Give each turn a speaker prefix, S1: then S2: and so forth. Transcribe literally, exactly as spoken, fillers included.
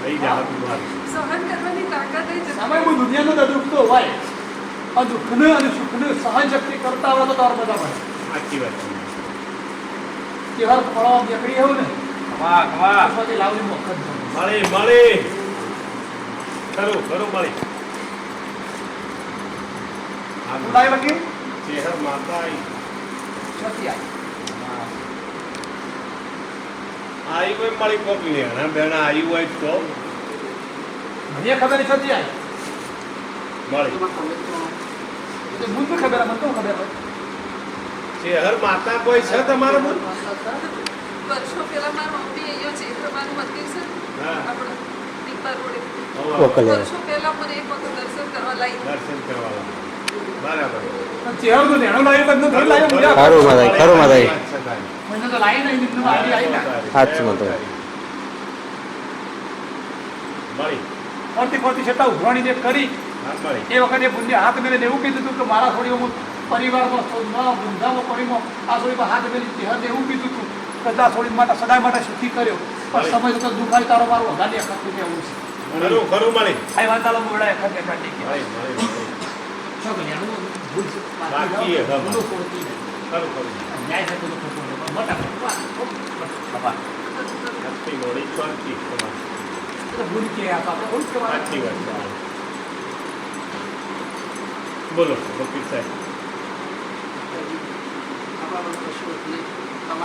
S1: થઈ જાય તમારી
S2: સહન કરવાની તાકાત એ જ
S3: સામે કોઈ દુનિયાનો તો દુઃખ તો હોય પણ દુઃખને અને સુખને સહન શક્તિ કરતા હોય તો તાર બધા મળે
S1: સાચી વાત છે
S3: તહેવાર ફળવા નીકળી એવું ને
S1: વાહ વાહ
S3: પછી લાવલી મોખત
S1: મળી મળી ખરું ખરું મળી
S3: ઉડાય વગી
S1: ચેહર માતા આઈ
S3: છતી આવી
S1: આઈ હોય મળી કોક લેણા બેણા આઈ હોય તો
S3: મને ખબર છતી આવી
S1: મળી
S3: એ તો મને ખબર મને તો ખબર હોય
S1: ચેહર માતા કોઈ છે તમારા મન
S2: વર્ષો પહેલા મારા મમ્મી અહીંયા છે તમારું મંદિર છે
S1: હા.
S2: આપણે દીપા રોડે
S4: ઓકલે
S2: વર્ષો પહેલા મને એક વખત દર્શન કરવા લાવી
S1: દર્શન કરવા બરાબર
S3: ચહેરો તો નેણો લાવ્યો બધું ઘર લાવ્યો મજા
S4: ખરું માતાજી ખરું માતાજી
S3: મને તો લાવી નહીં નિમ્ન આવી આવી ના
S4: સાચું મતો
S1: મળી
S3: ફરતી ફરતી છતાં ઉઘરાણી જે કરી
S1: હા મળી
S3: એ વખતે પુણ્ય હાથ મેળે એવું કીધું હતું કે મારા થોડી હું પરિવારમાં સોદમાં વૃંદામાં પરિમાં આ થોડી હાથ મેળી ચહેર એવું કીધું હતું કે આ થોડી માટે સદાય માટે સુખી કર્યો પણ સમય જતો દુખાય તારો મારું વધારે અખત થઈ એવું છે
S1: ખરું ખરું મળી
S3: આ વાંતાલો મોડા અખત કાઢી ગયા
S1: મળી મળી
S3: શું કર્યા હું ભૂલ છે
S1: બાકી એ હા.
S3: ભૂલો છોડતી નહીં
S1: ખરું ખરું
S3: ન્યાય થતો તો ખોટો નહીં. પણ મોટા ખબર
S1: આટલી મોડી શાંતિ તમારી
S3: તો ભૂલ કે આ તો આપણે ભૂલ કહેવાય.
S1: સાચી વાત છે બોલો વકીલ સાહેબ
S5: આપણા કશું એટલે